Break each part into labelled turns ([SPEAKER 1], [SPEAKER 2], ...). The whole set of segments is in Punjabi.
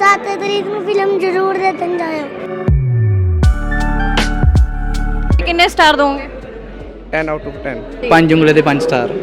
[SPEAKER 1] 7 ਤਰੀਕ ਨੂੰ ਫਿਲਮ ਜ਼ਰੂਰ ਦੇਖਣ ਜਾਇਓ।
[SPEAKER 2] ਕਿੰਨੇ ਸਟਾਰ ਦੋਗੇ?
[SPEAKER 3] 10 ਆਊਟ ਆਫ 10।
[SPEAKER 4] 5 ਉਂਗਲੇ ਦੇ 5 ਸਟਾਰ।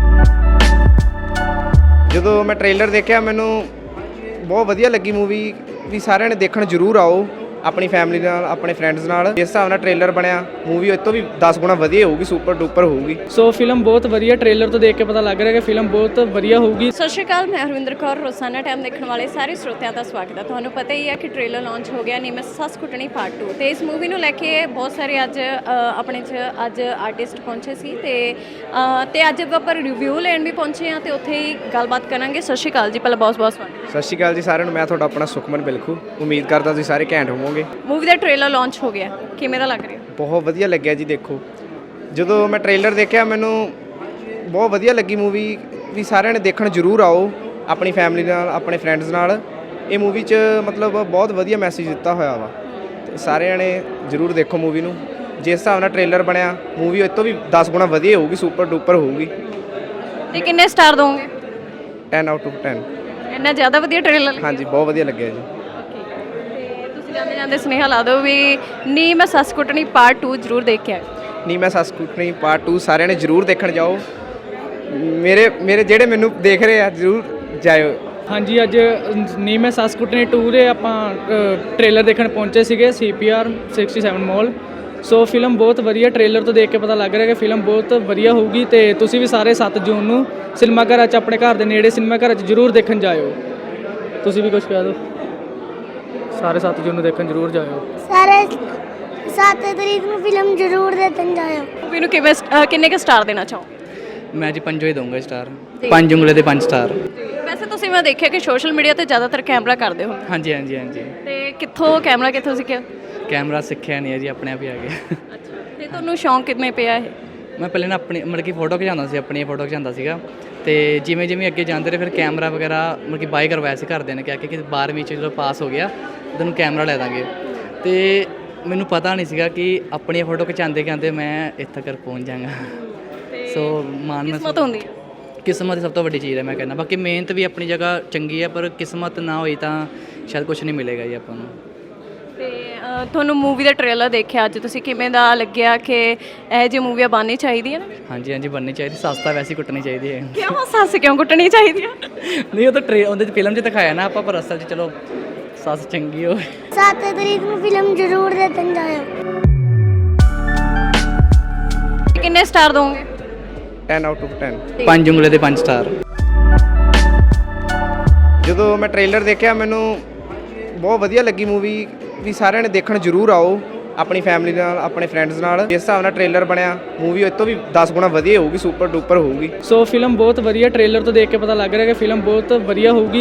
[SPEAKER 3] ਜਦੋਂ ਮੈਂ ਟ੍ਰੇਲਰ ਦੇਖਿਆ ਮੈਨੂੰ ਬਹੁਤ ਵਧੀਆ ਲੱਗੀ ਮੂਵੀ ਵੀ ਸਾਰਿਆਂ ਨੇ ਦੇਖਣ ਜ਼ਰੂਰ ਆਓ ਆਪਣੀ ਫੈਮਿਲੀ ਨਾਲ ਆਪਣੇ ਫਰੈਂਡਸ ਨਾਲ। ਜਿਸ ਹਿਸਾਬ ਨਾਲ ਟ੍ਰੇਲਰ ਬਣਿਆ ਮੂਵੀ ਇਸ ਤੋਂ ਵੀ 10 ਗੁਣਾ ਵਧੀਆ ਹੋਊਗੀ, ਸੁਪਰ ਡੂਪਰ ਹੋਊਗੀ।
[SPEAKER 5] ਸੋ ਫਿਲਮ ਬਹੁਤ ਵਧੀਆ, ਟ੍ਰੇਲਰ ਤੋਂ ਦੇਖ ਕੇ ਪਤਾ ਲੱਗ ਰਿਹਾ ਕਿ ਫਿਲਮ ਬਹੁਤ ਵਧੀਆ ਹੋਊਗੀ।
[SPEAKER 2] ਸਤਿ ਸ਼੍ਰੀ ਅਕਾਲ, ਮੈਂ ਹਰਵਿੰਦਰ ਕੌਰ। ਰੋਜ਼ਾਨਾ ਟਾਈਮ ਦੇਖਣ ਵਾਲੇ ਸਾਰੇ ਸਰੋਤਿਆਂ ਦਾ ਸਵਾਗਤ ਹੈ। ਤੁਹਾਨੂੰ ਪਤਾ ਹੀ ਹੈ ਕਿ ਟ੍ਰੇਲਰ ਲਾਂਚ ਹੋ ਗਿਆ ਨੀ ਮੈਂ ਸੱਸ ਕੁੱਟਣੀ ਪਾਰਟ 2 ਤੇ ਇਸ ਮੂਵੀ ਨੂੰ ਲੈ ਕੇ ਬਹੁਤ ਸਾਰੇ ਅੱਜ ਆਪਣੇ 'ਚ ਅੱਜ ਆਰਟਿਸਟ ਪਹੁੰਚੇ ਸੀ ਤੇ ਅੱਜ ਆਪਾਂ ਰਿਵਿਊ ਲੈਣ ਵੀ ਪਹੁੰਚੇ ਹਾਂ ਤੇ ਉੱਥੇ ਹੀ ਗੱਲਬਾਤ ਕਰਾਂਗੇ। ਸਤਿ ਸ਼੍ਰੀ ਅਕਾਲ ਜੀ, ਪਹਿਲਾਂ ਬਹੁਤ ਬਹੁਤ ਸਵਾਗਤ।
[SPEAKER 3] ਸਤਿ ਸ਼੍ਰੀ ਅਕਾਲ ਜੀ ਸਾਰਿਆਂ ਨੂੰ। ਮੈਂ ਤੁਹਾਡਾ ਆਪਣਾ ਸੁਖਮਨ ਬਿਲਖੂ। ਉਮੀਦ ਕਰਦਾ ਤੁਸੀਂ ਸਾਰੇ ਘੈਂਟ ਹੋਵੋਗੇ।
[SPEAKER 2] ਮੂਵੀ ਦਾ ਟ੍ਰੇਲਰ ਲਾਂਚ ਹੋ ਗਿਆ, ਕਿਵੇਂ ਦਾ ਲੱਗ ਰਿਹਾ?
[SPEAKER 3] ਬਹੁਤ ਵਧੀਆ ਲੱਗਿਆ ਜੀ। ਦੇਖੋ ਜਦੋਂ ਮੈਂ ਟ੍ਰੇਲਰ ਦੇਖਿਆ ਮੈਨੂੰ ਬਹੁਤ ਵਧੀਆ ਲੱਗੀ ਮੂਵੀ ਵੀ ਸਾਰਿਆਂ ਨੇ ਦੇਖਣ ਜ਼ਰੂਰ ਆਓ ਆਪਣੀ ਫੈਮਿਲੀ ਨਾਲ ਆਪਣੇ ਫਰੈਂਡਸ ਨਾਲ। ਇਹ ਮੂਵੀ 'ਚ ਮਤਲਬ ਬਹੁਤ ਵਧੀਆ ਮੈਸੇਜ ਦਿੱਤਾ ਹੋਇਆ ਵਾ ਤੇ ਸਾਰਿਆਂ ਨੇ ਜ਼ਰੂਰ ਦੇਖੋ ਮੂਵੀ ਨੂੰ। ਜਿਸ ਹਿਸਾਬ ਨਾਲ ਟ੍ਰੇਲਰ ਬਣਿਆ ਮੂਵੀ ਇਸ ਤੋਂ ਵੀ 10 ਗੁਣਾ ਵਧੀਆ ਹੋਊਗੀ, ਸੁਪਰ ਡੂਪਰ ਹੋਊਗੀ।
[SPEAKER 2] ਤੇ ਕਿੰਨੇ ਸਟਾਰ ਦੋਗੇ?
[SPEAKER 3] 10 ਆਊਟ ਆਫ 10।
[SPEAKER 2] ਇੰਨਾ ਜ਼ਿਆਦਾ ਵਧੀਆ ਟ੍ਰੇਲਰ?
[SPEAKER 3] ਹਾਂਜੀ, ਬਹੁਤ ਵਧੀਆ ਲੱਗਿਆ ਜੀ।
[SPEAKER 2] ਤੇ ਤੁਸੀਂ ਜਾਂਦੇ ਸੁਨੇਹਾ ਲਾ ਦਿਓ ਵੀ ਨੀ ਮੈਂ ਸੱਸ ਕੁੱਟਣੀ ਪਾਰਟ 2 ਜ਼ਰੂਰ ਦੇਖ ਕੇ ਆਇਓ।
[SPEAKER 3] ਨੀ ਮੈਂ ਸੱਸ ਕੁੱਟਣੀ ਪਾਰਟ 2 ਸਾਰਿਆਂ ਨੇ ਜ਼ਰੂਰ ਦੇਖਣ ਜਾਓ। ਮੇਰੇ ਜਿਹੜੇ ਮੈਨੂੰ ਦੇਖ ਰਹੇ ਆ ਜ਼ਰੂਰ ਜਾਇਓ।
[SPEAKER 5] ਹਾਂਜੀ, ਅੱਜ ਨੀ ਮੈਂ ਸੱਸ ਕੁੱਟਣੀ 2 ਦੇ ਆਪਾਂ ਟ੍ਰੇਲਰ ਦੇਖਣ ਪਹੁੰਚੇ ਸੀਗੇ CPR 67 ਮਾਲ। ਸੋ ਫਿਲਮ ਬਹੁਤ ਵਧੀਆ, ਟ੍ਰੇਲਰ ਤੋਂ ਦੇਖ ਕੇ ਪਤਾ ਲੱਗ ਰਿਹਾ ਕਿ ਫਿਲਮ ਬਹੁਤ ਵਧੀਆ ਹੋਊਗੀ ਤੇ ਤੁਸੀਂ ਵੀ ਸਾਰੇ 7 ਜੂਨ ਨੂੰ ਸਿਨੇਮਾ ਘਰਾਂ 'ਚ ਆਪਣੇ ਘਰ ਦੇ ਨੇੜੇ ਸਿਨੇਮਾ ਘਰਾਂ 'ਚ ਜ਼ਰੂਰ ਦੇਖਣ ਜਾਇਓ। ਤੁਸੀਂ ਵੀ ਕੁਝ ਕਹਿ ਦਿਓ। ਸਾਰੇ 7 ਜੂਨ ਨੂੰ ਦੇਖਣ ਜ਼ਰੂਰ ਜਾਇਓ।
[SPEAKER 1] ਸਾਰੇ 7 ਤਰੀਕ ਨੂੰ ਫਿਲਮ ਜ਼ਰੂਰ ਦੇਖਣ ਜਾਇਓ।
[SPEAKER 2] ਮੂਵੀ ਨੂੰ ਕਿੰਨੇ ਕੁ ਸਟਾਰ ਦੇਣਾ ਚਾਹੋ?
[SPEAKER 4] ਮੈਂ ਜੀ 5 ਹੀ ਦਊਂਗਾ ਸਟਾਰ। 5 ਉਂਗਲੇ ਦੇ 5 ਸਟਾਰ।
[SPEAKER 2] ਵੈਸੇ ਤੁਸੀਂ ਮੈਂ ਦੇਖਿਆ ਕਿ ਸੋਸ਼ਲ ਮੀਡੀਆ ਤੇ ਜ਼ਿਆਦਾਤਰ ਕੈਮਰਾ ਕਰਦੇ ਹੋ
[SPEAKER 4] ਹਾਂਜੀ ਹਾਂਜੀ ਹਾਂਜੀ।
[SPEAKER 2] ਤੇ ਕੈਮਰਾ ਕਿੱਥੋਂ ਸਿੱਖਿਆ?
[SPEAKER 4] ਕੈਮਰਾ ਸਿੱਖਿਆ ਨਹੀਂ ਹੈ ਜੀ, ਆਪਣੇ ਆਪ ਹੀ ਆ ਗਿਆ।
[SPEAKER 2] ਅੱਛਾ, ਤੇ ਤੁਹਾਨੂੰ ਸ਼ੌਂਕ ਕਿਵੇਂ ਪਿਆ ਇਹ?
[SPEAKER 4] ਮੈਂ ਪਹਿਲੇ ਨਾ ਆਪਣੀ ਮਤਲਬ ਕਿ ਫੋਟੋ ਖਿਚਾਉਂਦਾ ਸੀ, ਆਪਣੀ ਫੋਟੋ ਖਿਚਾਉਂਦਾ ਸੀਗਾ ਤੇ ਜਿਵੇਂ ਜਿਵੇਂ ਅੱਗੇ ਜਾਂਦੇ ਰਹੇ ਫਿਰ ਕੈਮਰਾ ਵਗੈਰਾ ਮਤਲਬ ਕਿ ਬਾਏ ਕਰਵਾਇਆ ਸੀ ਘਰਦਿਆਂ ਨੇ ਕਿਹਾ ਕਿ 12ਵੀਂ 'ਚ ਜਦੋਂ ਪਾਸ ਹੋ ਗਿਆ ਤੈਨੂੰ ਕੈਮਰਾ ਲੈ ਦਾਂਗੇ। ਤੇ ਮੈਨੂੰ ਪਤਾ ਨਹੀਂ ਸੀਗਾ ਕਿ ਆਪਣੀ ਫੋਟੋ ਖਿਚਾਉਂਦੇ ਮੈਂ ਇੱਥੇ ਤੱਕ ਪਹੁੰਚ ਜਾਵਾਂਗਾ। ਸੋ
[SPEAKER 2] ਕਿਸਮਤ ਹੁੰਦੀ ਹੈ।
[SPEAKER 4] ਕਿਸਮਤ ਸਭ ਤੋਂ ਵੱਡੀ ਚੀਜ਼ ਹੈ ਮੈਂ ਕਹਿੰਦਾ। ਬਾਕੀ ਮਿਹਨਤ ਵੀ ਆਪਣੀ ਜਗ੍ਹਾ ਚੰਗੀ ਹੈ ਪਰ ਕਿਸਮਤ ਨਾ ਹੋਈ ਤਾਂ ਸ਼ਾਇਦ ਕੁਝ ਨਹੀਂ ਮਿਲੇਗਾ ਜੀ ਆਪਾਂ ਨੂੰ।
[SPEAKER 2] ਤੇ ਤੁਹਾਨੂੰ ਮੂਵੀ ਦਾ ਟ੍ਰੇਲਰ ਦੇਖਿਆ ਅੱਜ ਤੁਸੀਂ, ਕਿਵੇਂ ਦਾ ਲੱਗਿਆ ਕਿ ਇਹ ਜਿਹੀ ਮੂਵੀਆਂ ਬਣਨੀ ਚਾਹੀਦੀਆਂ ਨੇ?
[SPEAKER 4] ਹਾਂਜੀ ਹਾਂਜੀ, ਬਣਨੀ ਚਾਹੀਦੀ। ਸੱਸ ਤਾਂ ਵੈਸੇ ਹੀ ਕੁੱਟਣੀ ਚਾਹੀਦੀ ਹੈ।
[SPEAKER 2] ਕਿਉਂ ਸੱਸ ਕਿਉਂ ਕੁੱਟਣੀ ਚਾਹੀਦੀ ਹੈ?
[SPEAKER 4] ਨਹੀਂ ਉਹ ਤਾਂ ਉਹਦੇ 'ਚ ਫਿਲਮ 'ਚ ਦਿਖਾਇਆ ਨਾ ਆਪਾਂ, ਪਰ ਅਸਲ 'ਚ ਚਲੋ ਸੱਸ ਚੰਗੀ ਹੋਵੇ।
[SPEAKER 1] 7 ਤਰੀਕ ਨੂੰ ਫਿਲਮ ਜ਼ਰੂਰ ਦੇਖਣ ਜਾਇਓ।
[SPEAKER 2] ਕਿੰਨੇ ਸਟਾਰ ਦੋਗੇ?
[SPEAKER 3] 10 ਆਊਟ ਆਫ 10।
[SPEAKER 4] 5 ਉਂਗਲੇ ਦੇ 5 ਸਟਾਰ।
[SPEAKER 3] ਜਦੋਂ ਮੈਂ ਟ੍ਰੇਲਰ ਦੇਖਿਆ ਮੈਨੂੰ ਬਹੁਤ ਵਧੀਆ ਲੱਗੀ ਮੂਵੀ ਵੀ ਸਾਰਿਆਂ ਨੇ ਦੇਖਣ ਜ਼ਰੂਰ ਆਓ ਆਪਣੀ ਫੈਮਿਲੀ ਨਾਲ ਆਪਣੇ ਫਰੈਂਡਸ ਨਾਲ। ਜਿਸ ਹਿਸਾਬ ਨਾਲ ਟ੍ਰੇਲਰ ਬਣਿਆ ਮੂਵੀ ਇਸ ਤੋਂ ਵੀ 10 ਗੁਣਾ ਵਧੀਆ ਹੋਊਗੀ, ਸੁਪਰ ਡੂਪਰ ਹੋਊਗੀ।
[SPEAKER 5] ਸੋ ਫਿਲਮ ਬਹੁਤ ਵਧੀਆ, ਟ੍ਰੇਲਰ ਤੋਂ ਦੇਖ ਕੇ ਪਤਾ ਲੱਗ ਰਿਹਾ ਕਿ ਫਿਲਮ ਬਹੁਤ ਵਧੀਆ ਹੋਊਗੀ